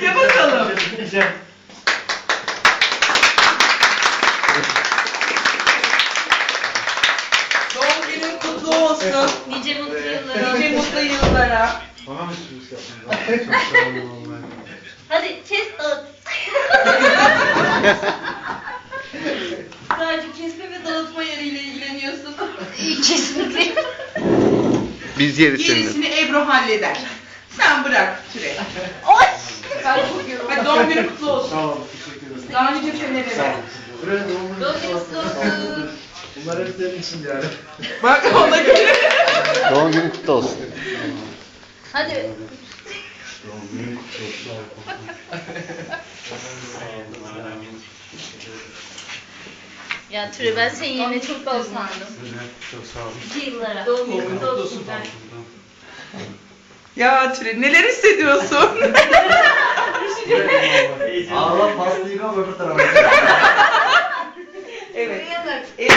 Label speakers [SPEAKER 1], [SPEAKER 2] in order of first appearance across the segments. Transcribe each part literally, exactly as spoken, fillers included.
[SPEAKER 1] Üfle bakalım. Doğum günün kutlu olsun.
[SPEAKER 2] Nice mutlu yıllara.
[SPEAKER 1] Nice mutlu yıllara.
[SPEAKER 3] Bana mı sürpriz yaptın? Çok sağ olun vallahi.
[SPEAKER 2] Hadi kes dağıt.
[SPEAKER 1] Sadece kesme ve dağıtma yeriyle ilgileniyorsun.
[SPEAKER 2] Kesinlikle.
[SPEAKER 4] Biz yeriz
[SPEAKER 1] Gerisini Ebru halleder. Sen bırak Türe.
[SPEAKER 2] Oy.
[SPEAKER 1] Ben kokuyorum. Hadi doğum günün kutlu olsun.
[SPEAKER 3] Sağ olun, teşekkür ederim.
[SPEAKER 1] Daha nice senelere.
[SPEAKER 3] Buraya doğum günü
[SPEAKER 2] Doğum günü
[SPEAKER 3] kutlu
[SPEAKER 2] kutlu olsun.
[SPEAKER 3] Bunlar hep senin için yani.
[SPEAKER 1] Bak ona göre.
[SPEAKER 4] Doğum günün kutlu olsun.
[SPEAKER 2] Hadi.
[SPEAKER 3] Doğum günü kutlu olsun.
[SPEAKER 2] Ya Türe ben senin yerine çok da sandım.
[SPEAKER 3] Çok sağ olun.
[SPEAKER 2] Nice yıllara.
[SPEAKER 1] Doğum günün kutlu olsun. Ya Türe neler hissediyorsun?
[SPEAKER 3] Allah pastayı kal öbür tarafa.
[SPEAKER 1] Evet. Evet.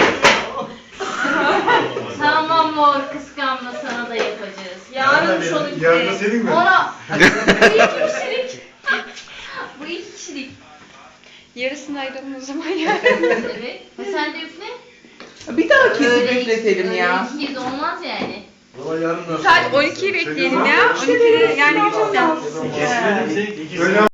[SPEAKER 2] Tamam mor kıskanma sana da yapacağız. Yarın son iki.
[SPEAKER 3] Yarın da senin mi?
[SPEAKER 2] Ona. Bu iki kişilik. Bu iki kişilik.
[SPEAKER 5] Yarısını ayıralım o zaman ya.
[SPEAKER 2] Evet. Ha, sen de üfle.
[SPEAKER 1] Bir daha kesip
[SPEAKER 2] Öyle
[SPEAKER 1] üfletelim
[SPEAKER 2] öyle
[SPEAKER 1] ya.
[SPEAKER 2] iki kez olmaz yani.
[SPEAKER 3] Valla yarın nasıl?
[SPEAKER 5] Saat on ikiyi bekleyelim ya. on ikide yani yapacağız.
[SPEAKER 3] Öyle